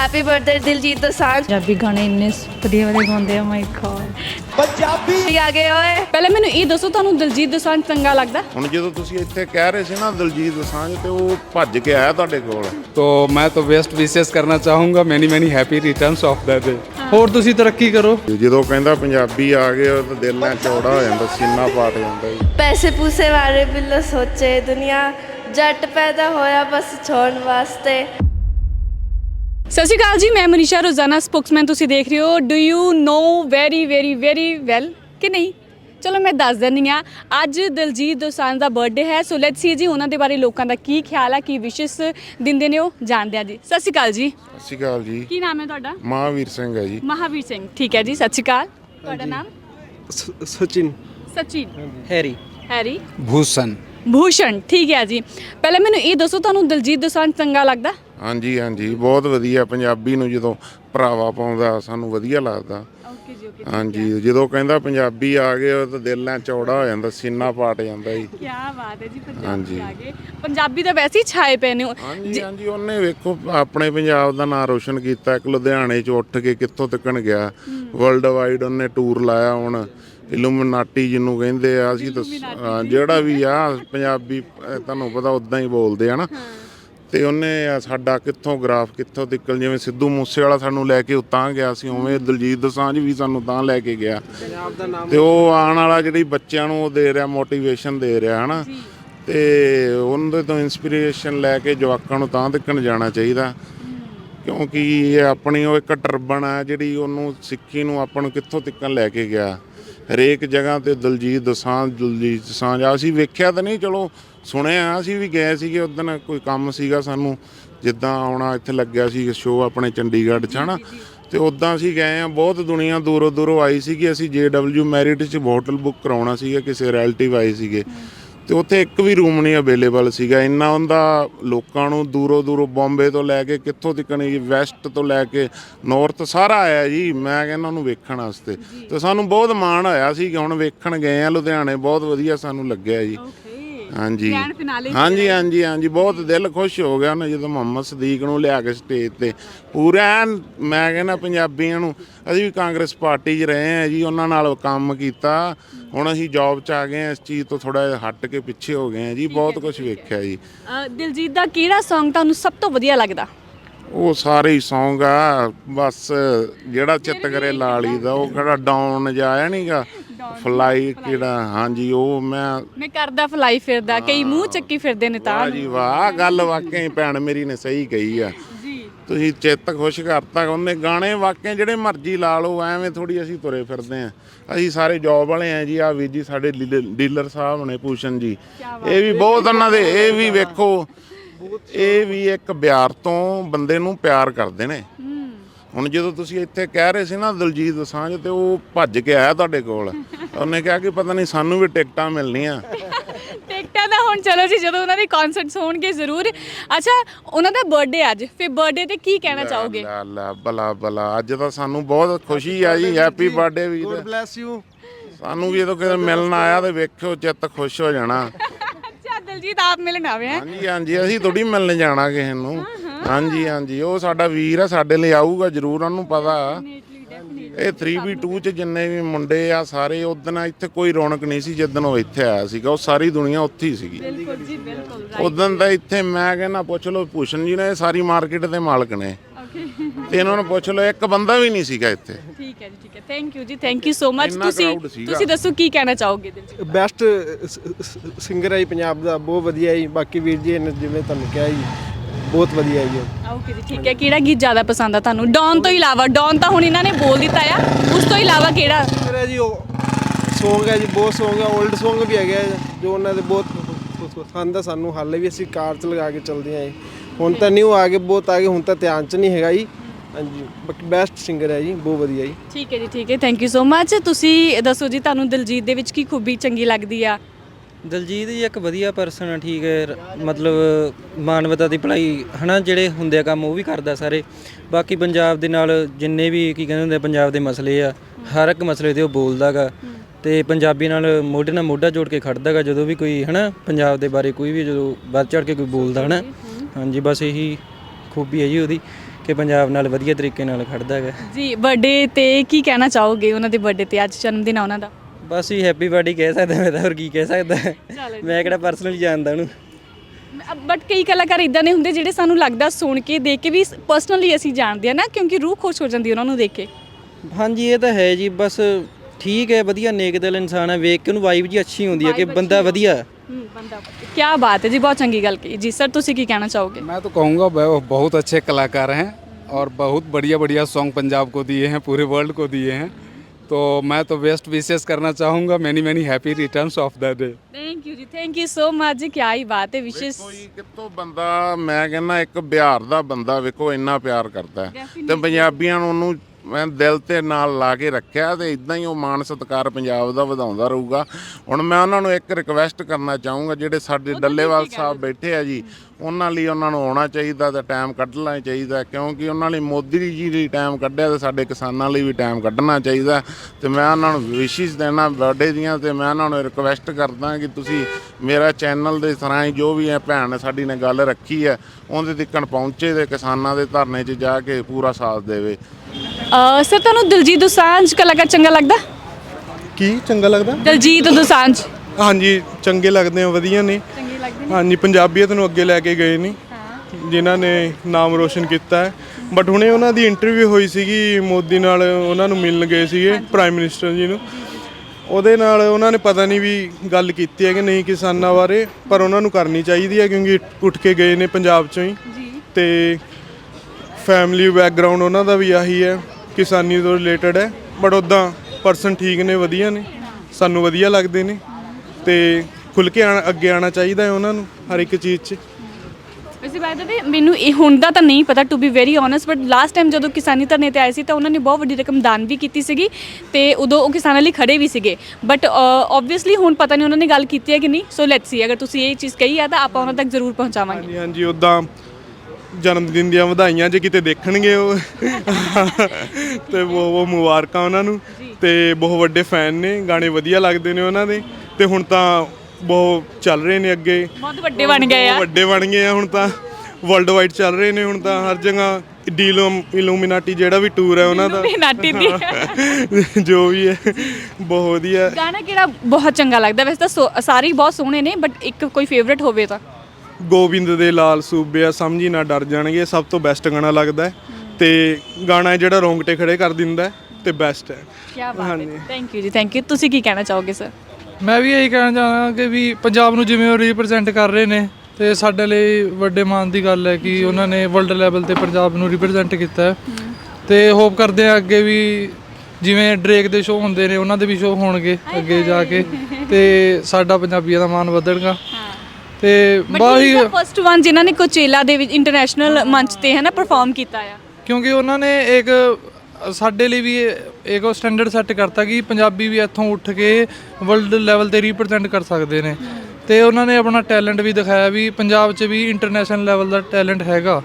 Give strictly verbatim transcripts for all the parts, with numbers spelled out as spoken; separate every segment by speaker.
Speaker 1: Happy birthday Diljit Dosanjh.
Speaker 2: Punjabi ਗਾਣੇ ਇੰਨੇ ਵਧੀਆ ਵਧੀਆ ਗਾਉਂਦੇ ਆ, ਮਾਈ ਗॉड
Speaker 1: ਪੰਜਾਬੀ ਆ ਗਏ ਓਏ।
Speaker 2: ਪਹਿਲੇ ਮੈਨੂੰ ਇਹ ਦੱਸੋ, ਤੁਹਾਨੂੰ ਦਿਲਜੀਤ ਦੋਸਾਂਝ ਚੰਗਾ ਲੱਗਦਾ?
Speaker 3: ਹੁਣ ਜਦੋਂ ਤੁਸੀਂ ਇੱਥੇ ਕਹਿ ਰਹੇ ਸੀ ਨਾ ਦਿਲਜੀਤ ਦੋਸਾਂਝ, ਤੇ ਉਹ ਭੱਜ ਕੇ ਆਇਆ ਤੁਹਾਡੇ ਕੋਲ।
Speaker 4: तो मैं तो बेस्ट विशेस करना चाहूँगा, many many happy returns of the day. ਹੋਰ ਤੁਸੀਂ ਤਰੱਕੀ ਕਰੋ।
Speaker 3: ਜਦੋਂ ਕਹਿੰਦਾ ਪੰਜਾਬੀ ਆ ਗਏ ਉਹ ਤਾਂ ਦਿਲ ਨਾਲ ਚੌੜਾ ਹੋ ਜਾਂਦਾ, ਸੀਨਾ ਪਾਟ ਜਾਂਦਾ ਜੀ।
Speaker 1: ਪੈਸੇ ਪੂਸੇ ਬਾਰੇ ਬਿੱਲੋ ਸੋਚੇ ਦੁਨੀਆ, ਜੱਟ ਪੈਦਾ ਹੋਇਆ ਬਸ ਛੋੜਨ ਵਾਸਤੇ।
Speaker 2: ਸਤਿ ਸ਼੍ਰੀ ਅਕਾਲ ਜੀ, ਮੈਂ ਮਨੀਸ਼ਾ ਰੋਜ਼ਾਨਾ ਸਪੋਕਸਮੈਨ ਤੁਸੀਂ ਦੇਖ ਰਹੇ ਹੋ। Do you know very very very well ਕਿ ਨਹੀਂ? ਚਲੋ ਮੈਂ ਦੱਸ ਦਿੰਦੀ ਹਾਂ, ਅੱਜ ਦਿਲਜੀਤ ਦੋਸਾਂਝ ਦਾ ਬਰਥਡੇ ਹੈ। ਸੋ ਲੈਟਸ ਸੀ ਜੀ ਉਹਨਾਂ ਦੇ ਬਾਰੇ ਲੋਕਾਂ ਦਾ ਕੀ ਖਿਆਲ ਹੈ, ਕੀ ਵਿਸ਼ੇਸ ਦਿੰਦੇ ਨੇ, ਉਹ ਜਾਣਦੇ ਆ ਜੀ। ਸਤਿ ਸ਼੍ਰੀ ਅਕਾਲ ਜੀ।
Speaker 3: ਸਤਿ ਸ਼੍ਰੀ ਅਕਾਲ ਜੀ।
Speaker 2: ਕੀ ਨਾਮ ਹੈ ਤੁਹਾਡਾ?
Speaker 3: ਮਹਾਂਵੀਰ ਸਿੰਘ ਹੈ ਜੀ।
Speaker 2: ਮਹਾਵੀਰ ਸਿੰਘ, ਠੀਕ ਹੈ ਜੀ। ਸਤਿ ਸ਼੍ਰੀ ਅਕਾਲ। ਤੁਹਾਡਾ ਨਾਮ?
Speaker 5: सचिन
Speaker 2: ਸਚਿਨ।
Speaker 5: Harry
Speaker 2: Harry.
Speaker 4: भूषण।
Speaker 2: ਭੂਸ਼ਣ, ਠੀਕ ਹੈ ਜੀ। ਪਹਿਲੇ ਮੈਨੂੰ ਇਹ ਦੱਸੋ, ਤੁਹਾਨੂੰ ਦਿਲਜੀਤ ਦੋਸਾਂਝ ਚੰਗਾ ਲੱਗਦਾ?
Speaker 3: ਹਾਂਜੀ ਹਾਂਜੀ, ਬਹੁਤ ਵਧੀਆ। ਪੰਜਾਬੀ ਨੂੰ ਜਦੋਂ ਭਰਾਵਾ ਪਾਉਂਦਾ ਸਾਨੂੰ ਵਧੀਆ ਲੱਗਦਾ।
Speaker 2: ਓਕੇ ਜੀ, ਓਕੇ।
Speaker 3: ਹਾਂਜੀ, ਜਦੋਂ ਕਹਿੰਦਾ ਪੰਜਾਬੀ ਆ ਗਏ ਉਹ ਤਾਂ ਦਿਲ ਨਾਲ ਚੌੜਾ ਹੋ ਜਾਂਦਾ, ਸੀਨਾ ਪਾਟ ਜਾਂਦਾ ਜੀ।
Speaker 2: ਕੀ ਬਾਤ ਹੈ ਜੀ, ਪੰਜਾਬੀ
Speaker 3: ਹਾਂਜੀ।
Speaker 2: ਆ ਗਏ। ਪੰਜਾਬੀ ਤਾਂ ਵੈਸੇ ਹੀ ਛਾਏ ਪਏ ਨੇ।
Speaker 3: ਹਾਂਜੀ ਹਾਂਜੀ, ਉਹਨੇ ਵੇਖੋ ਆਪਣੇ ਪੰਜਾਬ ਦਾ ਨਾਂ ਰੋਸ਼ਨ ਕੀਤਾ। ਇੱਕ ਲੁਧਿਆਣੇ 'ਚ ਉੱਠ ਕੇ ਕਿੱਥੋਂ ਤੱਕਣ ਗਿਆ, ਵਰਲਡ ਵਾਈਡ ਉਹਨੇ ਟੂਰ ਲਾਇਆ। ਹੁਣ ਇਲੂਮੀਨਾਟੀ ਜਿਹਨੂੰ ਕਹਿੰਦੇ ਆ, ਅਸੀਂ ਤਾਂ ਜਿਹੜਾ ਵੀ ਆ ਪੰਜਾਬੀ ਤੁਹਾਨੂੰ ਪਤਾ ਉੱਦਾਂ ਹੀ ਬੋਲਦੇ ਆ ਨਾ। ਤੇ ਉਹਨੇ ਸਾਡਾ ਕਿੱਥੋਂ ਗ੍ਰਾਫ ਕਿੱਥੋਂ ਤਿੱਕਲ, ਜਿਵੇਂ ਸਿੱਧੂ ਮੂਸੇ ਵਾਲਾ ਸਾਨੂੰ ਲੈ ਕੇ ਉਤਾਂ ਗਿਆ ਸੀ, ਉਵੇਂ ਦਿਲਜੀਤ ਦੋਸਾਂਝ ਵੀ ਸਾਨੂੰ ਤਾਂ ਲੈ ਕੇ ਗਿਆ। ਤੇ ਉਹ ਆਉਣ ਵਾਲਾ ਜਿਹੜੀ ਬੱਚਿਆਂ ਨੂੰ ਉਹ ਦੇ ਰਿਹਾ, ਮੋਟੀਵੇਸ਼ਨ ਦੇ ਰਿਹਾ ਹਨਾ। ਤੇ ਉਹਦੇ ਤੋਂ ਇੰਸਪੀਰੇਸ਼ਨ ਲੈ ਕੇ ਜਵਾਕਾਂ ਨੂੰ ਤਾਂ ਤਿੱਕਣ ਜਾਣਾ ਚਾਹੀਦਾ, ਕਿਉਂਕਿ ਇਹ ਆਪਣੀ ਉਹ ਇੱਕ ਟਰਬਨ ਆ ਜਿਹੜੀ ਉਹਨੂੰ ਸਿੱਖੀ ਨੂੰ ਆਪਾਂ ਨੂੰ ਕਿੱਥੋਂ ਤਿੱਕਣ ਲੈ ਕੇ ਗਿਆ। ਹਰੇਕ ਜਗ੍ਹਾ ਤੇ ਦਿਲਜੀਤ ਦੋਸਾਂਝ ਦਿਲਜੀਤ ਦੋਸਾਂਝ ਅਸੀਂ ਵੇਖਿਆ ਤਾਂ ਨਹੀਂ, ਚਲੋ ਸੁਣਿਆ। ਅਸੀਂ ਵੀ ਗਏ ਸੀਗੇ ਉਦਣ, ਕੋਈ ਕੰਮ ਸੀਗਾ ਸਾਨੂੰ, ਜਿੱਦਾਂ ਆਉਣਾ ਇੱਥੇ ਲੱਗਿਆ ਸੀ ਸ਼ੋਅ ਆਪਣੇ ਚੰਡੀਗੜ੍ਹ 'ਚ ਹੈ ਨਾ। ਤੇ ਉੱਦਾਂ ਅਸੀਂ ਗਏ ਹਾਂ, ਬਹੁਤ ਦੁਨੀਆ ਦੂਰੋਂ ਦੂਰੋਂ ਆਈ ਸੀਗੀ। ਅਸੀਂ ਜੇ ਡਬਲਿਊ ਮੈਰਿਟ 'ਚ ਹੋਟਲ ਬੁੱਕ ਕਰਾਉਣਾ ਸੀਗਾ, ਕਿਸੇ ਰਿਲੇਟਿਵ ਆਏ ਸੀਗੇ, ਤੇ ਉੱਥੇ ਇੱਕ ਵੀ ਰੂਮ ਨਹੀਂ ਅਵੇਲੇਬਲ ਸੀਗਾ। ਇੰਨਾ ਉਹਦਾ ਲੋਕਾਂ ਨੂੰ ਦੂਰੋਂ ਦੂਰੋਂ ਬੰਬੇ ਤੋਂ ਲੈ ਕੇ ਕਿੱਥੋਂ ਤੱਕ ਜੀ, ਵੈਸਟ ਤੋਂ ਲੈ ਕੇ ਨੌਰਥ ਸਾਰਾ ਆਇਆ ਜੀ। ਮੈਂ ਕਹਿੰਦਾ ਉਹਨੂੰ ਵੇਖਣ ਵਾਸਤੇ, ਤੇ ਸਾਨੂੰ ਬਹੁਤ ਮਾਣ ਹੋਇਆ ਸੀ ਕਿ ਹੁਣ ਵੇਖਣ ਗਏ ਆ ਲੁਧਿਆਣੇ। ਬਹੁਤ ਵਧੀਆ ਸਾਨੂੰ ਲੱਗਿਆ ਜੀ। ਹਾਂਜੀ ਹਾਂਜੀ ਹਾਂਜੀ ਹਾਂਜੀ, ਬਹੁਤ ਦਿਲ ਖੁਸ਼ ਹੋ ਗਿਆ ਨਾ ਜਦੋਂ ਮੁਹੰਮਦ ਸਦੀਕ ਨੂੰ ਲਿਆ ਕੇ ਸਟੇਜ ਤੇ ਪੂਰਾ ਐਨ। ਮੈਂ ਕਹਿੰਦਾ ਪੰਜਾਬੀਆਂ ਨੂੰ, ਅਸੀਂ ਵੀ ਕਾਂਗਰਸ ਪਾਰਟੀ 'ਚ ਰਹੇ ਹਾਂ ਜੀ, ਉਹਨਾਂ ਨਾਲ ਕੰਮ ਕੀਤਾ। ਹੁਣ ਅਸੀਂ ਜੌਬ 'ਚ ਆ ਗਏ ਹਾਂ, ਇਸ ਚੀਜ਼ ਤੋਂ ਥੋੜ੍ਹਾ ਜਿਹਾ ਹਟ ਕੇ ਪਿੱਛੇ ਹੋ ਗਏ ਹਾਂ ਜੀ। ਬਹੁਤ ਕੁਝ ਵੇਖਿਆ ਜੀ।
Speaker 2: ਦਿਲਜੀਤ ਦਾ ਕਿਹੜਾ ਸੌਂਗ ਤੁਹਾਨੂੰ ਸਭ ਤੋਂ ਵਧੀਆ ਲੱਗਦਾ?
Speaker 3: ਉਹ ਸਾਰੇ ਹੀ ਸੌਂਗ ਆ, ਬਸ ਜਿਹੜਾ ਚਿੱਤ ਕਰੇ ਲਾਲੀ ਦਾ। ਉਹ ਕਿਹੜਾ ਡਾਊਨ ਜਾਇਆ ਨਹੀਂਗਾ, ਫਲਾਈ ਕਿਹੜਾ। ਹਾਂਜੀ, ਉਹ ਮੈਂ
Speaker 2: ਮੈਂ ਕਰਦਾ ਫਲਾਈ ਫਿਰਦਾ, ਕਈ ਮੂੰਹ ਚੱਕੀ ਫਿਰਦੇ ਨੇ ਤਾਂ।
Speaker 3: ਵਾਹ ਜੀ ਵਾਹ, ਗੱਲ ਵਾਕਈ ਭੈਣ ਮੇਰੀ ਨੇ ਸਹੀ ਕਹੀ ਆ
Speaker 2: ਜੀ।
Speaker 3: ਤੁਸੀਂ ਚਿੱਤ ਖੁਸ਼ ਕਰਤਾ। ਉਹਨੇ ਗਾਣੇ ਵਾਕਈ ਜਿਹੜੇ ਮਰਜ਼ੀ ਲਾ ਲਓ, ਐਵੇਂ ਥੋੜੀ ਅਸੀਂ ਤੁਰੇ ਫਿਰਦੇ ਆਂ। ਅਸੀਂ ਸਾਰੇ ਜੌਬ ਵਾਲੇ ਆਂ ਜੀ। ਆ ਵੀਰ ਜੀ ਸਾਡੇ ਡੀਲਰ ਸਾਹਿਬ ਨੇ, ਭੂਸ਼ਣ ਜੀ, ਇਹ ਵੀ ਬਹੁਤ ਉਹਨਾਂ ਦੇ, ਇਹ ਵੀ ਵੇਖੋ, ਇਹ ਵੀ ਇੱਕ ਬਿਆਰ ਤੋਂ ਬੰਦੇ ਨੂੰ ਪਿਆਰ ਕਰਦੇ ਨੇ। ਹੁਣ ਜਦੋਂ ਤੁਸੀਂ ਇੱਥੇ ਕਹਿ ਰਹੇ ਸੀ ਨਾ ਦਿਲਜੀਤ ਦੋਸਾਂਝ, ਤੇ ਉਹ ਭੱਜ ਕੇ ਆਇਆ ਤੁਹਾਡੇ ਕੋਲ। ਉਹਨੇ ਕਿਹਾ ਕਿ ਪਤਾ ਨਹੀਂ ਸਾਨੂੰ ਵੀ ਟਿਕਟਾਂ ਮਿਲਣੀਆਂ।
Speaker 2: ਟਿਕਟਾਂ ਦਾ ਹੁਣ ਚਲੋ ਜੀ, ਜਦੋਂ ਉਹਨਾਂ ਦੇ ਕਨਸਰਟਸ ਹੋਣਗੇ ਜ਼ਰੂਰ। ਅੱਛਾ, ਉਹਨਾਂ ਦਾ ਬਰਥਡੇ ਅੱਜ, ਫਿਰ ਬਰਥਡੇ ਤੇ ਕੀ ਕਹਿਣਾ ਚਾਹੋਗੇ?
Speaker 3: ਲਾ ਲਾ ਬਲਾ ਬਲਾ, ਅੱਜ ਤਾਂ ਸਾਨੂੰ ਬਹੁਤ ਖੁਸ਼ੀ ਆ ਜੀ। ਹੈਪੀ ਬਰਥਡੇ ਵੀਰ,
Speaker 5: गॉड ब्लेस यू।
Speaker 3: ਸਾਨੂੰ ਵੀ ਜਦੋਂ ਕਿਤੇ ਮਿਲਣ ਆਇਆ ਤੇ ਵੇਖਿਓ ਚਿੱਤ ਖੁਸ਼ ਹੋ ਜਾਣਾ।
Speaker 2: ਅੱਛਾ, ਦਿਲਜੀਤ ਆਪ ਮਿਲਣ ਆਵੇ ਹੈ?
Speaker 3: ਹਾਂਜੀ ਹਾਂਜੀ, ਅਸੀਂ ਥੋੜੀ ਮਿਲਣ ਜਾਣਾ ਕਿਸੇ ਨੂੰ। ਹਾਂਜੀ ਹਾਂਜੀ, ਉਹ ਸਾਡਾ ਵੀਰ ਆ, ਸਾਡੇ ਲਈ ਆਊਗਾ ਜ਼ਰੂਰ, ਉਹਨੂੰ ਪਤਾ। ਇਹ ਥ੍ਰੀ ਬੀ ਟੂ 'ਚ ਜਿੰਨੇ ਵੀ ਮੁੰਡੇ ਆ ਸਾਰੇ, ਉਦਣ ਇੱਥੇ ਕੋਈ ਰੌਣਕ ਨਹੀਂ ਸੀ ਜਿੱਦਣ ਉਹ ਇੱਥੇ ਆਇਆ ਸੀਗਾ। ਉਹ ਸਾਰੀ ਦੁਨੀਆ ਉੱਥੇ ਹੀ ਸੀਗੀ
Speaker 2: ਬਿਲਕੁਲ ਜੀ, ਬਿਲਕੁਲ।
Speaker 3: ਉਦਣ ਤਾਂ ਇੱਥੇ ਮੈਂ ਕਹਿੰਦਾ ਪੁੱਛ ਲਓ, ਭੂਸ਼ਣ ਜੀ ਨੇ ਸਾਰੀ ਮਾਰਕੀਟ ਦੇ ਮਾਲਕ ਨੇ, ਤੇ ਇਹਨਾਂ ਨੂੰ ਪੁੱਛ ਲਓ, ਇੱਕ ਬੰਦਾ ਵੀ ਨਹੀਂ ਸੀਗਾ ਇੱਥੇ।
Speaker 2: ਠੀਕ ਹੈ ਜੀ, ਠੀਕ ਹੈ। ਥੈਂਕ ਯੂ ਜੀ, ਥੈਂਕ ਯੂ ਸੋ ਮਚ।
Speaker 3: ਇੰਨਾ
Speaker 2: ਤੁਸੀਂ
Speaker 3: crowd ਸੀਗਾ।
Speaker 2: ਤੁਸੀਂ ਦੱਸੋ ਕੀ ਕਹਿਣਾ ਚਾਹੋਗੇ ਦਿਲਜੀਤ?
Speaker 5: ਬੈਸਟ ਸਿੰਗਰ ਹੈ ਜੀ ਪੰਜਾਬ ਦਾ, ਬਹੁਤ ਵਧੀਆ ਜੀ। ਬਾਕੀ ਵੀਰ ਜੀ ਨੇ ਜਿਵੇਂ ਤੁਹਾਨੂੰ ਕਿਹਾ ਜੀ, ਬਹੁਤ ਵਧੀਆ ਜੀ।
Speaker 2: ਓਕੇ ਜੀ, ਠੀਕ ਹੈ। ਕਿਹੜਾ ਗੀਤ ਜ਼ਿਆਦਾ ਪਸੰਦ ਆ ਤੁਹਾਨੂੰ ਡੌਨ ਤੋਂ ਇਲਾਵਾ? ਡੌਨ ਤਾਂ ਹੁਣ ਇਹਨਾਂ ਨੇ ਬੋਲ ਦਿੱਤਾ ਆ, ਉਸ ਤੋਂ ਇਲਾਵਾ ਕਿਹੜਾ
Speaker 5: ਸਿੰਗਰ ਹੈ ਜੀ? ਉਹ ਸੌਂਗ ਹੈ ਜੀ, ਬਹੁਤ ਸੌਂਗ ਹੈ, 올ਡ ਸੌਂਗ ਵੀ ਹੈਗੇ ਜੋ ਉਹਨਾਂ ਦੇ ਬਹੁਤ ਪਸੰਦ ਆ ਸਾਨੂੰ। ਹਾਲੇ ਵੀ ਅਸੀਂ ਕਾਰ 'ਚ ਲਗਾ ਕੇ ਚੱਲਦੇ ਹਾਂ ਜੀ। ਹੁਣ ਤਾਂ ਨਿਊ ਆ ਗਏ, ਬਹੁਤ ਆ ਗਏ, ਹੁਣ ਤਾਂ ਧਿਆਨ 'ਚ ਨਹੀਂ ਹੈਗਾ ਜੀ। ਹਾਂਜੀ, ਬਾਕੀ ਬੈਸਟ ਸਿੰਗਰ ਹੈ ਜੀ, ਬਹੁਤ ਵਧੀਆ ਜੀ।
Speaker 2: ਠੀਕ ਹੈ ਜੀ, ਠੀਕ ਹੈ। Thank you so much. ਤੁਸੀਂ ਦੱਸੋ ਜੀ, ਤੁਹਾਨੂੰ ਦਿਲਜੀਤ ਦੇ ਵਿੱਚ ਕੀ ਖੂਬੀ ਚੰਗੀ ਲੱਗਦੀ ਆ?
Speaker 6: ਦਲਜੀਤ ਜੀ ਇੱਕ ਵਧੀਆ ਪਰਸਨ ਆ, ਠੀਕ ਹੈ, ਮਤਲਬ ਮਾਨਵਤਾ ਦੀ ਭਲਾਈ ਹਨਾ, ਜਿਹੜੇ ਹੁੰਦੇ ਆ ਕੰਮ ਉਹ ਵੀ ਕਰਦਾ ਸਾਰੇ। ਬਾਕੀ ਪੰਜਾਬ ਦੇ ਨਾਲ ਜਿੰਨੇ ਵੀ ਕੀ ਕਹਿੰਦੇ ਹੁੰਦੇ ਪੰਜਾਬ ਦੇ ਮਸਲੇ ਆ, ਹਰ ਇੱਕ ਮਸਲੇ 'ਤੇ ਉਹ ਬੋਲਦਾ ਗਾ, ਤੇ ਪੰਜਾਬੀ ਨਾਲ ਮੋਢੇ ਨਾਲ ਮੋਢਾ ਜੋੜ ਕੇ ਖੜਦਾ ਗਾ ਜਦੋਂ ਵੀ ਕੋਈ ਹਨਾ ਪੰਜਾਬ ਦੇ ਬਾਰੇ ਕੋਈ ਵੀ ਜਦੋਂ ਵੱਧ ਚੜ ਕੇ ਕੋਈ ਬੋਲਦਾ ਹਨਾ। ਹਾਂਜੀ, ਬਸ ਇਹੀ ਖੂਬੀ ਹੈ ਜੀ ਉਹਦੀ। ਕਿ ਪੰਜਾਬ ਨਾਲ ਵਧੀਆ ਤਰੀਕੇ ਨਾਲ ਖੜਦਾ ਹੈਗਾ।
Speaker 2: ਜੀ ਬਰਥਡੇ ਤੇ ਕੀ ਕਹਿਣਾ ਚਾਹੋਗੇ ਉਹਨਾਂ ਦੇ ਬਰਥਡੇ ਤੇ? ਅੱਜ ਜਨਮ ਦਿਨ ਆ ਉਹਨਾਂ ਦਾ।
Speaker 6: ਬਸ ਹੀ ਹੈਪੀ ਬਰਥਡੇ ਕਹਿ ਸਕਦਾ ਮੈਂ ਤਾਂ, ਹੋਰ ਕੀ ਕਹਿ ਸਕਦਾ। ਮੈਂ ਕਿਹੜਾ ਪਰਸਨਲੀ ਜਾਣਦਾ ਉਹਨੂੰ।
Speaker 2: ਬਟ ਕਈ ਕਲਾਕਾਰ ਇਦਾਂ ਦੇ ਹੁੰਦੇ ਜਿਹੜੇ ਸਾਨੂੰ ਲੱਗਦਾ ਸੁਣ ਕੇ ਦੇਖ ਕੇ ਵੀ ਪਰਸਨਲੀ ਅਸੀਂ ਜਾਣਦੇ ਆ ਨਾ, ਕਿਉਂਕਿ ਰੂਹ ਖੁਸ਼ ਹੋ ਜਾਂਦੀ ਉਹਨਾਂ ਨੂੰ ਦੇਖ ਕੇ।
Speaker 6: ਹਾਂਜੀ ਇਹ ਤਾਂ ਹੈ ਜੀ, ਬਸ ਠੀਕ ਹੈ, ਵਧੀਆ ਨੇਕ ਦਿਲ ਇਨਸਾਨ ਹੈ, ਵੇਖ ਕੇ ਉਹਨੂੰ ਵਾਈਬ ਜੀ ਅੱਛੀ ਹੁੰਦੀ ਹੈ ਕਿ ਬੰਦਾ ਵਧੀਆ।
Speaker 2: ਹੂੰ ਬੰਦਾ ਕੀ ਬਾਤ ਹੈ ਜੀ, ਬਹੁਤ ਚੰਗੀ ਗੱਲ ਕਹੀ ਜੀ। ਸਰ ਤੁਸੀਂ ਕੀ ਕਹਿਣਾ ਚਾਹੋਗੇ?
Speaker 4: मैं तो कहूँगा वह बहुत अच्छे कलाकार हैं और बहुत बढ़िया बढ़िया सॉन्ग पंजाब को दिए हैं, पूरे वर्ल्ड को दिए हैं। तो मैं तो बेस्ट विशेस करना चाहूँगा, many many happy returns of the day.
Speaker 2: Thank you ਜੀ, ਥੈਂਕ ਯੂ ਸੋ ਮਚ ਜੀ। ਕੀ ਹੀ ਬਾਤ ਹੈ, ਵਿਸ਼ੇਸ਼
Speaker 3: ਕੋਈ ਕਿੱਥੋਂ ਬੰਦਾ, ਮੈਂ ਕਹਿੰਦਾ ਇੱਕ ਬਿਹਾਰ ਦਾ ਬੰਦਾ ਵੇਖੋ ਇੰਨਾ ਪਿਆਰ ਕਰਦਾ ਹੈ ਤੇ ਪੰਜਾਬੀਆਂ ਨੂੰ ਉਹਨੂੰ ਮੈਂ ਦਿਲ ਤੇ ਨਾਲ ਲਾ ਕੇ ਰੱਖਿਆ ਤੇ ਇਦਾਂ ਹੀ ਉਹ ਮਾਣ ਸਤਿਕਾਰ ਪੰਜਾਬ ਦਾ ਵਧਾਉਂਦਾ ਰਹੂਗਾ। ਹੁਣ ਮੈਂ ਉਹਨਾਂ ਨੂੰ ਇੱਕ ਰਿਕਵੈਸਟ ਕਰਨਾ ਚਾਹੂੰਗਾ, ਜਿਹੜੇ ਸਾਡੇ ਡੱਲੇਵਾਲ ਸਾਹਿਬ ਬੈਠੇ ਆ ਜੀ, ਉਹਨਾਂ ਲਈ ਉਹਨਾਂ ਨੂੰ ਆਉਣਾ ਚਾਹੀਦਾ ਤੇ ਟਾਈਮ ਕੱਢਣਾ ਚਾਹੀਦਾ, ਕਿਉਂਕਿ ਉਹਨਾਂ ਲਈ ਮੋਦੀ ਜੀ ਲਈ ਟਾਈਮ ਕੱਢਿਆ ਤੇ ਸਾਡੇ ਕਿਸਾਨਾਂ ਲਈ ਵੀ ਟਾਈਮ ਕੱਢਣਾ ਚਾਹੀਦਾ। ਤੇ ਮੈਂ ਉਹਨਾਂ ਨੂੰ ਵਿਸ਼ੇਸ਼ ਦੇਣਾ ਬਰਥਡੇ ਦੀਆਂ, ਤੇ ਮੈਂ ਉਹਨਾਂ ਨੂੰ ਰਿਕਵੈਸਟ ਕਰਦਾ ਕਿ ਤੁਸੀਂ ਮੇਰਾ ਚੈਨਲ ਦੇ ਤਰ੍ਹਾਂ ਹੀ ਜੋ ਵੀ ਹੈ ਭੈਣ ਨੇ ਸਾਡੀ ਨੇ ਗੱਲ ਰੱਖੀ ਹੈ ਉਹਦੇ ਤੱਕ ਪਹੁੰਚੇ ਤੇ ਕਿਸਾਨਾਂ ਦੇ ਧਰਨੇ 'ਚ ਜਾ ਕੇ ਪੂਰਾ ਸਾਥ ਦੇਵੇ।
Speaker 2: ਸਰ ਤੁਹਾਨੂੰ ਦਿਲਜੀਤ ਦੋਸਾਂਝ ਕਲਾਕਾਰ ਚੰਗਾ ਲੱਗਦਾ?
Speaker 5: ਕੀ ਚੰਗਾ ਲੱਗਦਾ?
Speaker 2: ਦਿਲਜੀਤ ਦੋਸਾਂਝ
Speaker 5: ਹਾਂਜੀ ਚੰਗੇ ਲੱਗਦੇ ਆ, ਵਧੀਆ ਨੇ।
Speaker 2: ਚੰਗੇ ਲੱਗਦੇ
Speaker 5: ਹਾਂਜੀ ਪੰਜਾਬੀਅਤ ਨੂੰ ਅੱਗੇ ਲੈ ਕੇ ਗਏ ਨੇ, ਜਿਨ੍ਹਾਂ ਨੇ ਨਾਮ ਰੋਸ਼ਨ ਕੀਤਾ ਹੈ। ਬਟ ਹੁਣੇ ਉਹਨਾਂ ਦੀ ਇੰਟਰਵਿਊ ਹੋਈ ਸੀਗੀ ਮੋਦੀ ਨਾਲ, ਉਹਨਾਂ ਨੂੰ ਮਿਲਣ ਗਏ ਸੀਗੇ ਪ੍ਰਾਈਮ ਮਿਨਿਸਟਰ ਜੀ ਨੂੰ। ਉਹਦੇ ਨਾਲ ਉਹਨਾਂ ਨੇ ਪਤਾ ਨਹੀਂ ਵੀ ਗੱਲ ਕੀਤੀ ਹੈ ਕਿ ਨਹੀਂ ਕਿਸਾਨਾਂ ਬਾਰੇ, ਪਰ ਉਹਨਾਂ ਨੂੰ ਕਰਨੀ ਚਾਹੀਦੀ ਹੈ ਕਿਉਂਕਿ ਉੱਠ ਕੇ ਗਏ ਨੇ ਪੰਜਾਬ 'ਚੋਂ ਹੀ। ਤੇ ਫੈਮਿਲੀ ਬੈਕਗਰਾਊਂਡ ਉਹਨਾਂ ਦਾ ਵੀ ਆਹੀ ਹੈ, ਕਿਸਾਨੀ ਤੋਂ ਰਿਲੇਟਡ ਹੈ। ਬਟ ਉੱਦਾਂ ਪਰਸਨ ਠੀਕ ਨੇ, ਵਧੀਆ ਨੇ, ਸਾਨੂੰ ਵਧੀਆ ਲੱਗਦੇ ਨੇ ਤੇ ਖੁੱਲ੍ਹ ਕੇ ਆਉਣਾ, ਅੱਗੇ ਆਉਣਾ ਚਾਹੀਦਾ ਹੈ ਉਹਨਾਂ ਨੂੰ ਹਰ ਇੱਕ ਚੀਜ਼ 'ਚ।
Speaker 2: ਵੈਸੇ ਬਾਤ ਹੈ ਮੈਨੂੰ ਇਹ ਹੁਣ ਦਾ ਤਾਂ ਨਹੀਂ ਪਤਾ to be very honest, but last time ਜਦੋਂ ਕਿਸਾਨੀ ਧਰਨੇ ਤੇ ਆਏ ਸੀ ਤਾਂ ਉਹਨਾਂ ਨੇ ਬਹੁਤ ਵੱਡੀ ਰਕਮ ਦਾਨ ਵੀ ਕੀਤੀ ਸੀਗੀ ਤੇ ਉਦੋਂ ਉਹ ਕਿਸਾਨਾਂ ਲਈ ਖੜੇ ਵੀ ਸੀਗੇ। ਬਟ ਓਬਵੀਅਸਲੀ ਹੁਣ ਪਤਾ ਨਹੀਂ ਉਹਨਾਂ ਨੇ ਗੱਲ ਕੀਤੀ ਹੈ ਕਿ ਨਹੀਂ। ਸੋ ਲੈਟਸ ਸੀ, ਅਗਰ ਤੁਸੀਂ ਇਹ ਚੀਜ਼ ਕਹੀ ਆ ਤਾਂ ਆਪਾਂ ਉਹਨਾਂ ਤੱਕ ਜ਼ਰੂਰ ਪਹੁੰਚਾਵਾਂਗੇ।
Speaker 5: ਹਾਂਜੀ ਹਾਂਜੀ ਉੱਦਾਂ ਜਨਮ ਦਿਨ ਦੀਆਂ ਵਧਾਈਆਂ ਜੇ ਕਿਤੇ ਦੇਖਣਗੇ ਉਹ ਤੇ ਬਹੁਤ ਬਹੁਤ ਮੁਬਾਰਕਾਂ ਉਹਨਾਂ ਨੂੰ। ਤੇ ਬਹੁਤ ਵੱਡੇ ਫੈਨ ਨੇ, ਗਾਣੇ ਵਧੀਆ ਲੱਗਦੇ ਨੇ ਉਹਨਾਂ ਦੇ ਤੇ ਹੁਣ ਤਾਂ ਬਹੁਤ ਚੱਲ ਰਹੇ ਨੇ ਅੱਗੇ,
Speaker 2: ਬਹੁਤ ਵੱਡੇ ਬਣ ਗਏ ਆ,
Speaker 5: ਵੱਡੇ ਬਣ ਗਏ ਆ ਹੁਣ ਤਾਂ, ਵਰਲਡ ਵਾਈਡ ਚੱਲ ਰਹੇ ਨੇ ਹੁਣ ਤਾਂ ਹਰ ਜਗ੍ਹਾ। ਡੀਲੋ ਇਲੂਮੀਨਾਟੀ ਜਿਹੜਾ ਵੀ ਟੂਰ ਹੈ ਉਹਨਾਂ ਦਾ,
Speaker 2: ਇਲੂਮੀਨਾਟੀ ਦੀ
Speaker 5: ਜੋ ਵੀ ਹੈ ਬਹੁਤ ਵਧੀਆ।
Speaker 2: ਗਾਣਾ ਕਿਹੜਾ ਬਹੁਤ ਚੰਗਾ ਲੱਗਦਾ? ਵੈਸੇ ਤਾਂ ਸੋ- ਸਾਰੇ ਹੀ ਬਹੁਤ ਸੋਹਣੇ ਨੇ, ਬਟ ਇੱਕ ਕੋਈ ਫੇਵਰੇਟ ਹੋਵੇ ਤਾਂ?
Speaker 5: ਗੋਬਿੰਦ ਦੇ ਲਾਲ ਸੂਬਿਆ, ਸਮਝੀ ਨਾ ਡਰ ਜਾਣਗੇ, ਸਭ ਤੋਂ ਬੈਸਟ ਗਾਣਾ ਲੱਗਦਾ ਹੈ। ਤੇ ਗਾਣਾ ਜਿਹੜਾ ਰੋਂਗਟੇ ਖੜੇ ਕਰ ਦਿੰਦਾ ਤੇ ਬੈਸਟ ਹੈ।
Speaker 2: ਕੀ ਬਾਤ ਹੈ, ਥੈਂਕ ਯੂ ਜੀ, ਥੈਂਕ ਯੂ। ਤੁਸੀਂ ਕੀ ਕਹਿਣਾ ਚਾਹੋਗੇ ਸਰ?
Speaker 7: ਮੈਂ ਵੀ ਇਹੀ ਕਹਿਣਾ ਚਾਹਾਂਗਾ ਕਿ ਵੀ ਪੰਜਾਬ ਨੂੰ ਜਿਵੇਂ ਉਹ ਰਿਪਰੈਜ਼ੈਂਟ ਕਰ ਰਹੇ ਨੇ ਤੇ ਸਾਡੇ ਲਈ ਵੱਡੇ ਮਾਣ ਦੀ ਗੱਲ ਹੈ ਕਿ ਉਹਨਾਂ ਨੇ ਵਰਲਡ ਲੈਵਲ ਤੇ ਪੰਜਾਬ ਨੂੰ ਰਿਪਰੈਜ਼ੈਂਟ ਕੀਤਾ ਹੈ। ਤੇ ਹੋਪ ਕਰਦੇ ਆ ਅੱਗੇ ਵੀ ਜਿਵੇਂ ਡਰੇਕ ਦੇ ਸ਼ੋਅ ਹੁੰਦੇ ਨੇ ਉਹਨਾਂ ਦੇ ਵੀ ਸ਼ੋਅ ਹੋਣਗੇ ਅੱਗੇ ਜਾ ਕੇ, ਤੇ ਸਾਡਾ ਪੰਜਾਬੀਆਂ ਦਾ ਮਾਣ ਵਧੇਗਾ। ਤੇ ਬਾਹੀ
Speaker 2: ਫਸਟ ਵਨ ਜਿਨ੍ਹਾਂ ਨੇ ਕੋਚੇਲਾ ਦੇ ਵਿੱਚ ਇੰਟਰਨੈਸ਼ਨਲ ਮੰਚ ਤੇ ਹੈ ਨਾ ਪਰਫਾਰਮ ਕੀਤਾ ਆ,
Speaker 7: ਕਿਉਂਕਿ ਉਹਨਾਂ ਨੇ ਇੱਕ ਸਾਡੇ ਲਈ ਵੀ ਇੱਕ ਸਟੈਂਡਰਡ ਸੈੱਟ ਕਰਤਾ ਕਿ ਪੰਜਾਬੀ ਵੀ ਇੱਥੋਂ ਉੱਠ ਕੇ ਵਰਲਡ ਲੈਵਲ ਤੇ ਰਿਪਰੈਜ਼ੈਂਟ ਕਰ ਸਕਦੇ ਨੇ। ਤੇ ਉਹਨਾਂ ਨੇ ਆਪਣਾ ਟੈਲੈਂਟ ਵੀ ਦਿਖਾਇਆ ਵੀ ਪੰਜਾਬ 'ਚ ਵੀ ਇੰਟਰਨੈਸ਼ਨਲ ਲੈਵਲ ਦਾ ਟੈਲੈਂਟ ਹੈਗਾ।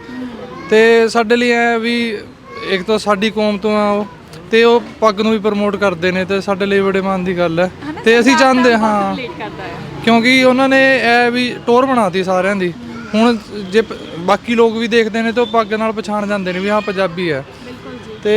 Speaker 7: ਤੇ ਸਾਡੇ ਲਈ ਐ ਵੀ ਇੱਕ ਤਾਂ ਸਾਡੀ ਕੌਮ ਤੋਂ ਆ ਉਹ, ਤੇ ਉਹ ਪੱਗ ਨੂੰ ਵੀ ਪ੍ਰਮੋਟ ਕਰਦੇ ਨੇ ਤੇ ਸਾਡੇ ਲਈ ਬੜੇ ਮਾਣ ਦੀ ਗੱਲ ਹੈ। ਤੇ ਅਸੀਂ ਚਾਹੁੰਦੇ ਹਾਂ ਕਿਉਂਕਿ ਉਹਨਾਂ ਨੇ ਇਹ ਵੀ ਟੋਰ ਬਣਾਤੀ ਸਾਰਿਆਂ ਦੀ। ਹੁਣ ਜੇ ਪ- ਬਾਕੀ ਲੋਕ ਵੀ ਦੇਖਦੇ ਨੇ ਤਾਂ ਉਹ ਪੱਗ ਨਾਲ ਪਛਾਣ ਜਾਂਦੇ ਨੇ ਵੀ ਹਾਂ ਪੰਜਾਬੀ ਹੈ। ਤੇ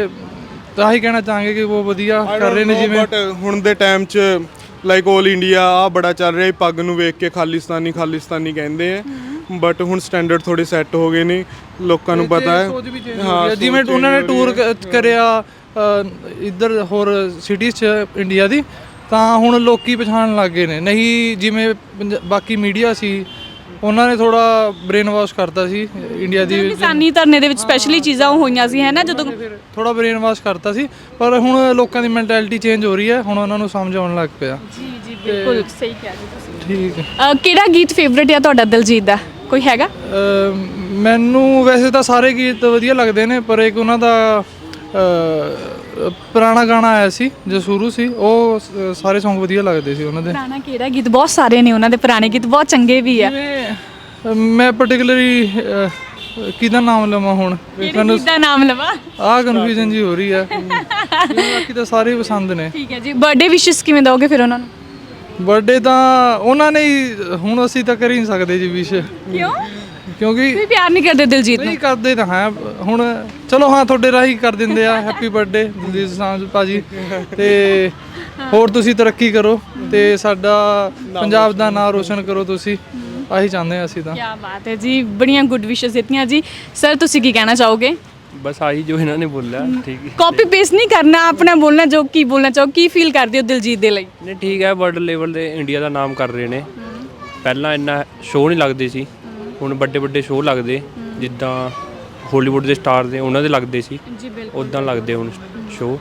Speaker 7: ਤਾਂ ਹੀ ਕਹਿਣਾ ਚਾਹਾਂਗੇ ਕਿ ਉਹ ਵਧੀਆ ਕਰ ਰਹੇ ਨੇ। ਜਿਵੇਂ
Speaker 5: ਬਟ ਹੁਣ ਦੇ ਟਾਈਮ 'ਚ ਲਾਈਕ 올 ਇੰਡੀਆ ਆ ਬੜਾ ਚੱਲ ਰਿਹਾ, ਪੱਗ ਨੂੰ ਵੇਖ ਕੇ ਖਾਲਿਸਤਾਨੀ ਖਾਲਿਸਤਾਨੀ ਕਹਿੰਦੇ ਆ। ਬਟ ਹੁਣ ਸਟੈਂਡਰਡ ਥੋੜੇ ਸੈੱਟ ਹੋ ਗਏ ਨੇ, ਲੋਕਾਂ ਨੂੰ ਪਤਾ ਹੈ।
Speaker 7: ਸੋਚ ਵੀ change ਹੋ ਗਈ ਹੈ। ਜਿਵੇਂ ਉਹਨਾਂ ਨੇ ਟੂਰ ਕਰਿਆ ਇੱਧਰ ਹੋਰ ਸਿਟੀਜ਼ 'ਚ ਇੰਡੀਆ ਦੀ, ਤਾਂ ਹੁਣ ਲੋਕੀ ਪਛਾਣਨ ਲੱਗ ਗਏ ਨੇ। ਨਹੀਂ ਜਿਵੇਂ ਪੰਜ- ਬਾਕੀ ਮੀਡੀਆ ਸੀ ਉਹਨਾਂ ਨੇ ਥੋੜਾ ਬ੍ਰੇਨ ਵਾਸ਼ ਕਰਤਾ ਸੀ ਇੰਡੀਆ ਦੀ,
Speaker 2: ਕਿਸਾਨੀ ਧਰਨੇ ਦੇ ਵਿੱਚ ਸਪੈਸ਼ਲੀ ਚੀਜ਼ਾਂ ਉਹ ਹੋਈਆਂ ਸੀ ਹੈ ਨਾ, ਜਦੋਂ
Speaker 7: ਥੋੜਾ ਬ੍ਰੇਨ ਵਾਸ਼ ਕਰਤਾ ਸੀ। ਪਰ ਹੁਣ ਲੋਕਾਂ ਦੀ ਮੈਂਟੈਲਿਟੀ ਚੇਂਜ ਹੋ ਰਹੀ ਹੈ, ਹੁਣ ਉਹਨਾਂ ਨੂੰ ਸਮਝ ਆਉਣ ਲੱਗ ਪਿਆ।
Speaker 2: ਜੀ ਜੀ ਬਿਲਕੁਲ ਸਹੀ ਕਿਹਾ ਜੀ ਤੁਸੀਂ।
Speaker 7: ਠੀਕ ਹੈ।
Speaker 2: ਅਹ ਕਿਹੜਾ ਗੀਤ ਫੇਵਰੇਟ ਹੈ ਤੁਹਾਡਾ ਦਿਲਜੀਤ ਦਾ, ਕੋਈ ਹੈਗਾ?
Speaker 7: ਅ, ਮੈਨੂੰ ਵੈਸੇ ਤਾਂ ਸਾਰੇ ਗੀਤ ਵਧੀਆ ਲੱਗਦੇ ਨੇ, ਪਰ ਇੱਕ ਉਹਨਾਂ ਦਾ ਅ, ਪੁਰਾਣਾ ਗਾਣਾ ਆਇਆ ਸੀ ਜੋ ਸ਼ੁਰੂ ਸੀ, ਉਹ ਸ- ਸਾਰੇ Song ਵਧੀਆ ਲੱਗਦੇ ਸੀ ਉਹਨਾਂ ਦੇ।
Speaker 2: ਪੁਰਾਣਾ ਕਿਹੜਾ ਗੀਤ? ਬਹੁਤ ਸਾਰੇ ਨੇ ਉਹਨਾਂ ਦੇ ਪੁਰਾਣੇ ਗੀਤ, ਬਹੁਤ ਚੰਗੇ ਵੀ ਆ।
Speaker 7: ਜਿਵੇਂ ਅ, ਮੈਂ ਪਾਰਟਿਕੂਲਰਲੀ ਕਿਹਦਾ ਨਾਮ ਲਵਾਂ ਹੁਣ,
Speaker 2: ਕਿਹੜੇ ਗੀਤ ਦਾ ਨਾਮ ਲਵਾਂ?
Speaker 7: ਆਹ ਕਨਫਿਊਜ਼ਨ ਜੀ ਹੋ ਰਹੀ ਹੈ। ਬਾਕੀ ਤਾਂ ਸਾਰੇ ਪਸੰਦ ਨੇ।
Speaker 2: ਠੀਕ ਹੈ ਜੀ। ਬਰਥਡੇ ਵਿਸ਼ੇਸ ਕਿਵੇਂ ਦੋਗੇ ਫਿਰ ਉਹਨਾਂ ਨੂੰ?
Speaker 7: ਬਰਥਡੇ ਤਾਂ ਉਹਨਾਂ ਨੇ ਹੀ, ਹੁਣ ਅਸੀਂ ਤਾਂ ਕਰ ਹੀ ਨਹੀਂ ਸਕਦੇ ਜੀ ਵਿਸ਼।
Speaker 2: ਕਿਉਂ?
Speaker 7: ਕਿਉਂਕਿ
Speaker 2: ਤੁਸੀਂ ਪਿਆਰ ਨਹੀਂ ਕਰਦੇ ਦਿਲਜੀਤ ਨੂੰ?
Speaker 7: ਨਹੀਂ ਕਰਦੇ ਤਾਂ ਹੈ ਹੁਣ, ਚਲੋ ਹਾਂ ਤੁਹਾਡੇ ਰਾਹੀਂ ਕਰ ਦਿੰਦੇ ਆ। ਹੈਪੀ ਬਰਥਡੇ ਦਿਲਜੀਤ ਦੋਸਾਂਝ ਭਾਜੀ, ਤੇ ਹੋਰ ਤੁਸੀਂ ਤਰੱਕੀ ਕਰੋ ਤੇ ਸਾਡਾ ਪੰਜਾਬ ਦਾ ਨਾਮ ਰੋਸ਼ਨ ਕਰੋ ਤੁਸੀਂ, ਆਹੀ ਚਾਹੁੰਦੇ ਆ ਅਸੀਂ ਤਾਂ।
Speaker 2: ਕੀ ਬਾਤ ਹੈ ਜੀ, ਬੜੀਆਂ ਗੁੱਡ ਵਿਸ਼ੇਸ ਦਿੱਤੀਆਂ ਜੀ। ਸਰ ਤੁਸੀਂ ਕੀ ਕਹਿਣਾ ਚਾਹੋਗੇ?
Speaker 8: बस आई जो इन्होंने बोला ठीक है।
Speaker 2: ਕਾਪੀ ਪੇਸਟ ਨਹੀਂ ਕਰਨਾ, ਆਪਣਾ ਬੋਲਣਾ ਜੋ ਕੀ ਬੋਲਣਾ ਚਾਹੋ। ਕੀ ਫੀਲ ਕਰਦੇ ਹੋ ਦਿਲਜੀਤ ਦੇ ਲਈ?
Speaker 8: नहीं ठीक है, वर्ल्ड लेवल ਤੇ ਇੰਡੀਆ ਦਾ ਨਾਮ ਕਰ ਰਹੇ ਨੇ। ਪਹਿਲਾਂ ਇੰਨਾ ਸ਼ੋਅ ਨਹੀਂ ਲੱਗਦੇ ਸੀ, ਹੁਣ ਵੱਡੇ ਵੱਡੇ ਸ਼ੋਅ ਲੱਗਦੇ, ਜਿੱਦਾਂ ਹਾਲੀਵੁੱਡ ਦੇ ਸਟਾਰ ਦੇ ਉਹਨਾਂ ਦੇ ਲੱਗਦੇ ਸੀ,
Speaker 2: ਜੀ ਬਿਲਕੁਲ
Speaker 8: ਉਦਾਂ ਲੱਗਦੇ ਹੁਣ ਸ਼ੋਅ।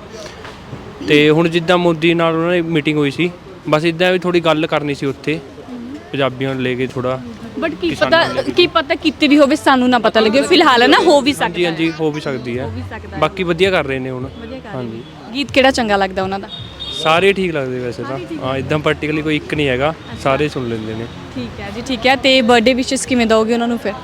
Speaker 8: ਤੇ ਹੁਣ ਜਿੱਦਾਂ ਮੋਦੀ ਨਾਲ ਉਹਨਾਂ ਦੀ ਮੀਟਿੰਗ ਹੋਈ ਸੀ, ਬਸ ਇਦਾਂ ਵੀ ਥੋੜੀ ਗੱਲ ਕਰਨੀ ਸੀ ਉੱਥੇ ਪੰਜਾਬੀਆਂ ਨੂੰ ਲੈ ਕੇ ਥੋੜਾ।
Speaker 2: ਬਟ ਕੀ ਪਤਾ ਕੀ ਪਤਾ ਕੀਤੀ ਵੀ ਹੋਵੇ, ਸਾਨੂੰ ਨਾ ਪਤਾ ਲੱਗੇ। ਫਿਲਹਾਲ ਨਾ ਹੋ ਵੀ ਸਕਦਾ
Speaker 8: ਹਾਂਜੀ ਹਾਂਜੀ ਹੋ ਵੀ ਸਕਦੀ ਹੈ, ਬਾਕੀ ਵਧੀਆ ਕਰ ਰਹੇ ਨੇ ਹੁਣ। ਹਾਂਜੀ
Speaker 2: ਗੀਤ ਕਿਹੜਾ ਚੰਗਾ ਲੱਗਦਾ ਉਹਨਾਂ ਦਾ?
Speaker 8: ਸਾਰੇ ਠੀਕ ਲੱਗਦੇ ਵੈਸੇ ਤਾਂ, ਹਾਂ ਇਦਾਂ ਪਾਰਟਿਕੂਲਰਲੀ ਕੋਈ ਇੱਕ ਨਹੀਂ ਹੈਗਾ, ਸਾਰੇ ਸੁਣ ਲੈਂਦੇ ਨੇ।
Speaker 2: ਠੀਕ ਹੈ ਜੀ, ਠੀਕ ਹੈ। ਤੇ ਬਰਥਡੇ ਵਿਸ਼ੇਸ ਕਿਵੇਂ ਦੋਗੇ ਉਹਨਾਂ ਨੂੰ ਫਿਰ?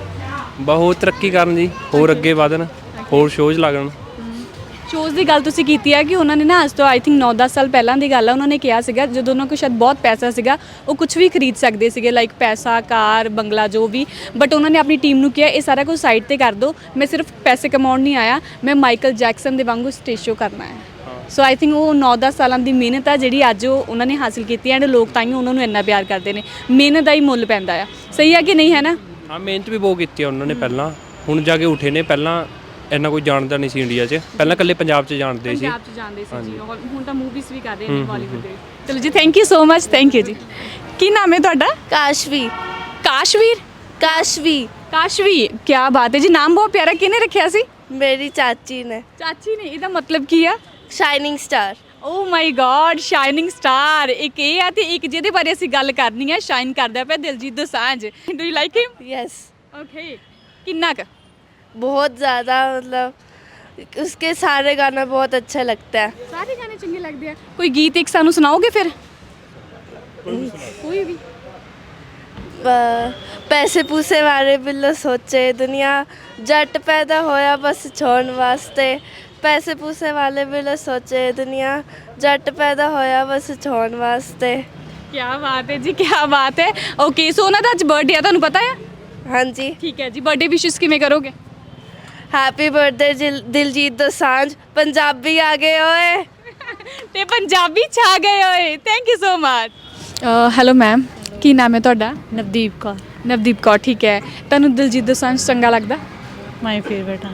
Speaker 8: ਬਹੁਤ ਤਰੱਕੀ ਕਰਨ ਜੀ, ਹੋਰ ਅੱਗੇ ਵਧਣ, ਹੋਰ ਸ਼ੋਜ਼ ਲੱਗਣ।
Speaker 2: ਸ਼ੋਜ਼ ਦੀ ਗੱਲ ਤੁਸੀਂ ਕੀਤੀ ਹੈ ਕਿ ਉਹਨਾਂ ਨੇ ਨਾ ਅੱਜ ਤੋਂ ਆਈ ਥਿੰਕ ਨੌ ਦਸ ਸਾਲ ਪਹਿਲਾਂ ਦੀ ਗੱਲ ਆ, ਉਹਨਾਂ ਨੇ ਕਿਹਾ ਸੀਗਾ ਜਦੋਂ ਉਹਨਾਂ ਕੋਲ ਸ਼ਾਇਦ ਬਹੁਤ ਪੈਸਾ ਸੀਗਾ, ਉਹ ਕੁਝ ਵੀ ਖਰੀਦ ਸਕਦੇ ਸੀਗੇ, ਲਾਈਕ ਪੈਸਾ, ਕਾਰ, ਬੰਗਲਾ, ਜੋ ਵੀ। ਬਟ ਉਹਨਾਂ ਨੇ ਆਪਣੀ ਟੀਮ ਨੂੰ ਕਿਹਾ ਇਹ ਸਾਰਾ ਕੁਝ ਸਾਈਡ ਤੇ ਕਰ ਦਿਓ, ਮੈਂ ਸਿਰਫ ਪੈਸੇ ਕਮਾਉਣ ਨਹੀਂ ਆਇਆ, ਮੈਂ ਮਾਈਕਲ ਜੈਕਸਨ ਦੇ ਵਾਂਗੂ ਸਟੇਜ ਸ਼ੋ ਕਰਨਾ ਹੈ। ਸੋ ਆਈ ਥਿੰਕ ਉਹ ਨੌ ਦਸ ਸਾਲਾਂ ਦੀ ਮਿਹਨਤ ਆ ਜਿਹੜੀ ਅੱਜ ਉਹ ਉਹਨਾਂ ਨੇ ਹਾਸਿਲ ਕੀਤੀ ਐਂਡ ਲੋਕ ਤਾਂ ਹੀ ਉਹਨਾਂ ਨੂੰ ਇੰਨਾ ਪਿਆਰ ਕਰਦੇ ਨੇ। ਮਿਹਨਤ ਦਾ ਹੀ ਮੁੱਲ ਪੈਂਦਾ ਆ, ਸਹੀ ਆ ਕਿ ਨਹੀਂ, ਹੈ ਨਾ?
Speaker 8: ਹਾਂ ਮਿਹਨਤ ਵੀ ਬਹੁਤ ਕੀਤੀ ਆ ਉਹਨਾਂ ਨੇ ਪਹਿਲਾਂ, ਹੁਣ ਜਾ ਕੇ ਉੱਠੇ ਨੇ। ਪਹਿਲਾਂ ਇੰਨਾ ਕੋਈ ਜਾਣਦਾ ਨਹੀਂ ਸੀ ਇੰਡੀਆ 'ਚ, ਪਹਿਲਾਂ ਇਕੱਲੇ ਪੰਜਾਬ 'ਚ ਜਾਣਦੇ ਸੀ।
Speaker 2: ਪੰਜਾਬ 'ਚ ਜਾਣਦੇ ਸੀ ਜੀ, ਔਰ ਹੁਣ ਤਾਂ ਮੂਵੀਜ਼ ਵੀ ਕਰ ਰਹੇ ਨੇ ਬਾਲੀਵੁੱਡ ਦੇ। ਚਲੋ ਜੀ, thank you so much, thank you ਜੀ। ਕੀ ਨਾਮ ਹੈ ਤੁਹਾਡਾ?
Speaker 1: ਕਾਸ਼ਵੀ
Speaker 2: ਕਾਸ਼ਵੀਰ?
Speaker 1: ਕਾਸ਼ਵੀ
Speaker 2: ਕਾਸ਼ਵੀ, ਕੀ ਬਾਤ ਹੈ ਜੀ, ਨਾਮ ਬਹੁਤ ਪਿਆਰਾ। ਕਿਹਨੇ ਰੱਖਿਆ ਸੀ?
Speaker 1: ਮੇਰੀ ਚਾਚੀ ਨੇ।
Speaker 2: ਚਾਚੀ ਨੇ। ਇਹਦਾ ਮਤਲਬ ਕੀ ਆ?
Speaker 1: Shining star.
Speaker 2: Oh my god, shining star. ਇੱਕ ਇਹ ਆ ਤੇ ਇੱਕ ਜਿਹਦੇ ਬਾਰੇ ਅਸੀਂ ਗੱਲ ਕਰਨੀ ਹੈ, ਸ਼ਾਈਨ ਕਰਦਾ ਪਿਆ, Diljit Dosanjh. Do you like him?
Speaker 1: Yes.
Speaker 2: Okay, ਕਿੰਨਾ ਕੁ?
Speaker 1: बहुत ज़्यादा, मतलब उसके सारे गाने बहुत अच्छे लगते हैं।
Speaker 2: ਸਾਰੇ ਗਾਣੇ ਚੰਗੇ ਲੱਗਦੇ ਆ। ਕੋਈ ਗੀਤ ਇੱਕ ਸਾਨੂੰ ਸੁਣਾਓਗੇ ਫਿਰ? ਕੋਈ ਵੀ।
Speaker 1: प- पैसे पूसे वाले बिल्लो सोचे दुनिया जट पैदा होया बस छोड़ वास्ते। पैसे पूसे वाले बिल्लो सोचे दुनिया जट पैदा होया बस छोड़ वास्ते।
Speaker 2: ਕੀ ਬਾਤ ਹੈ ਜੀ, ਕੀ ਬਾਤ ਹੈ। ਓਕੇ, ਸੋ ਉਹਨਾਂ ਦਾ ਅੱਜ ਬਰਥਡੇ ਆ, ਤੁਹਾਨੂੰ ਪਤਾ ਆ?
Speaker 1: हाँ जी।
Speaker 2: ਠੀਕ ਹੈ ਜੀ, ਬਰਥਡੇ ਵਿਸ਼ੇਸ ਕਿਵੇਂ ਕਰੋਗੇ?
Speaker 1: हैप्पी बर्थडे दिलजीत दोसांझ, पंजाबी आ गए ओए।
Speaker 2: ਤੇ ਪੰਜਾਬੀ ਛਾ ਗਏ ਓਏ। Thank you so much. Hello ma'am, ਕੀ ਨਾਮ ਹੈ ਤੁਹਾਡਾ?
Speaker 9: ਨਵਦੀਪ ਕੌਰ।
Speaker 2: ਨਵਦੀਪ ਕੌਰ, ਠੀਕ ਹੈ। ਤੁਹਾਨੂੰ ਦਿਲਜੀਤ ਦੋਸਾਂਝ ਚੰਗਾ ਲੱਗਦਾ?
Speaker 9: ਮਾਈ ਫੇਵਰਟ ਆ।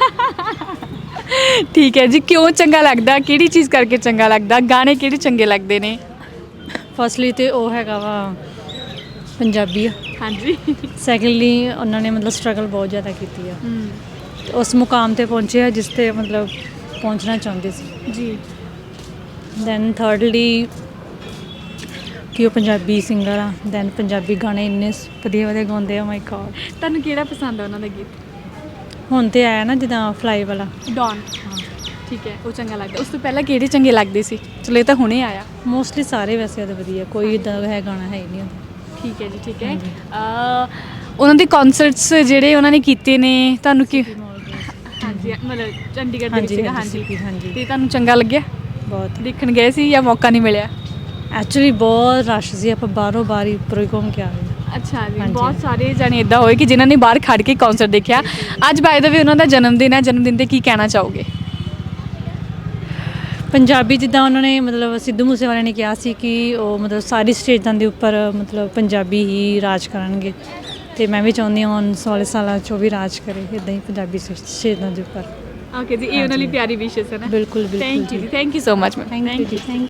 Speaker 2: ਠੀਕ ਹੈ ਜੀ, ਕਿਉਂ ਚੰਗਾ ਲੱਗਦਾ? ਕਿਹੜੀ ਚੀਜ਼ ਕਰਕੇ ਚੰਗਾ ਲੱਗਦਾ? ਗਾਣੇ ਕਿਹੜੇ ਚੰਗੇ ਲੱਗਦੇ ਨੇ?
Speaker 9: ਫਸਟਲੀ ਤੇ ਉਹ ਹੈਗਾ ਵਾ ਪੰਜਾਬੀ ਆ।
Speaker 2: ਹਾਂਜੀ।
Speaker 9: ਸੈਕੰਡਲੀ ਉਹਨਾਂ ਨੇ ਮਤਲਬ ਸਟਰਗਲ ਬਹੁਤ ਜ਼ਿਆਦਾ ਕੀਤੀ ਆ, ਤੇ ਉਸ ਮੁਕਾਮ ਤੇ ਪਹੁੰਚੇ ਆ ਜਿਸ ਤੇ ਮਤਲਬ ਪਹੁੰਚਣਾ ਚਾਹੁੰਦੇ ਸੀ
Speaker 2: ਜੀ।
Speaker 9: ਦੈਨ ਥਰਡਲੀ ਕਿ ਉਹ ਪੰਜਾਬੀ ਸਿੰਗਰ ਆ, ਦੈਨ ਪੰਜਾਬੀ ਗਾਣੇ ਇੰਨੇ ਵਧੀਆ ਵਧੀਆ ਗਾਉਂਦੇ ਆ। ਮਾਈ ਗॉड,
Speaker 2: ਤੁਹਾਨੂੰ ਕਿਹੜਾ ਪਸੰਦ ਆ ਉਹਨਾਂ ਦਾ ਗੀਤ?
Speaker 9: ਹੁਣ ਤੇ ਆਇਆ ਨਾ ਜਿੱਦਾਂ ਫਲਾਈ ਵਾਲਾ।
Speaker 2: ਡੌਨ। ਠੀਕ ਹੈ, ਉਹ ਚੰਗਾ ਲੱਗਦਾ। ਉਸ ਤੋਂ ਪਹਿਲਾਂ ਕਿਹੜੇ ਚੰਗੇ ਲੱਗਦੇ ਸੀ? ਚਲੋ ਇਹ ਤਾਂ ਹੁਣੇ ਆਇਆ।
Speaker 9: ਮੋਸਟਲੀ ਸਾਰੇ ਵੈਸੇ ਉਹਦੇ ਵਧੀਆ, ਕੋਈ ਇਦਾਂ ਹੈ ਗਾਣਾ ਹੈ ਹੀ ਨਹੀਂ ਉਹਦਾ।
Speaker 2: ਠੀਕ ਹੈ ਜੀ, ਠੀਕ ਹੈ। ਅਹ, ਉਹਨਾਂ ਦੇ ਕਨਸਰਟਸ ਜਿਹੜੇ ਉਹਨਾਂ ਨੇ ਕੀਤੇ ਨੇ, ਤੁਹਾਨੂੰ ਕੀ? ਹਾਂਜੀ, ਮਤਲਬ ਚੰਡੀਗੜ੍ਹ ਦੇ ਵਿੱਚ ਸੀਗਾ। ਹਾਂਜੀ
Speaker 9: ਹਾਂਜੀ,
Speaker 2: ਤੇ ਤੁਹਾਨੂੰ ਚੰਗਾ ਲੱਗਿਆ?
Speaker 9: ਬਹੁਤ।
Speaker 2: ਦੇਖਣ ਗਏ ਸੀ ਜਾਂ ਮੌਕਾ ਨਹੀਂ ਮਿਲਿਆ?
Speaker 9: ਐਕਚੁਅਲੀ ਬਹੁਤ ਰਸ਼ ਸੀ, ਆਪਾਂ ਬਾਹਰੋਂ ਬਾਹਰ ਹੀ ਉੱਪਰੋਂ ਹੀ ਘੁੰਮ ਕੇ ਆ ਗਏ।
Speaker 2: ਅੱਛਾ ਜੀ, ਬਹੁਤ ਸਾਰੇ ਜਾਣੇ ਇਦਾਂ ਹੋਏ ਕਿ ਜਿਨ੍ਹਾਂ ਨੇ ਬਾਹਰ ਖੜ ਕੇ ਕਨਸਰਟ ਦੇਖਿਆ। ਅੱਜ ਬਾਏ ਦਾ ਵੀ ਉਹਨਾਂ ਦਾ ਜਨਮ ਦਿਨ ਹੈ, ਜਨਮ ਦਿਨ ਤੇ ਕੀ ਕਹਿਣਾ ਚਾਹੋਗੇ?
Speaker 9: ਪੰਜਾਬੀ ਜਿੱਦਾਂ ਉਹਨਾਂ ਨੇ ਮਤਲਬ ਸਿੱਧੂ ਮੂਸੇਵਾਲੇ ਨੇ ਕਿਹਾ ਸੀ ਕਿ ਉਹ ਮਤਲਬ ਸਾਰੀ ਸਟੇਜਾਂ ਦੇ ਉੱਪਰ ਮਤਲਬ ਪੰਜਾਬੀ ਹੀ ਰਾਜ ਕਰਨਗੇ, ਤੇ ਮੈਂ ਵੀ ਚਾਹੁੰਦੀ ਹਾਂ ਹੁਣ ਸੋਲ੍ਹਾਂ ਸਾਲਾਂ 'ਚ ਉਹ ਵੀ ਰਾਜ ਕਰੇ ਇੱਦਾਂ ਹੀ ਪੰਜਾਬੀ ਸਟੇਜਾਂ ਦੇ ਉੱਪਰ।
Speaker 2: ਓਕੇ ਜੀ, ਇਹ ਉਹਨਾਂ ਲਈ ਪਿਆਰੀ ਵਿਸ਼ੇਸ ਹੈ ਨਾ।
Speaker 9: ਬਿਲਕੁਲ ਬਿਲਕੁਲ
Speaker 2: ਥੈਂਕ ਯੂ ਜੀ, thank you so much ma'am.
Speaker 9: Thank you ਜੀ, ਥੈਂਕ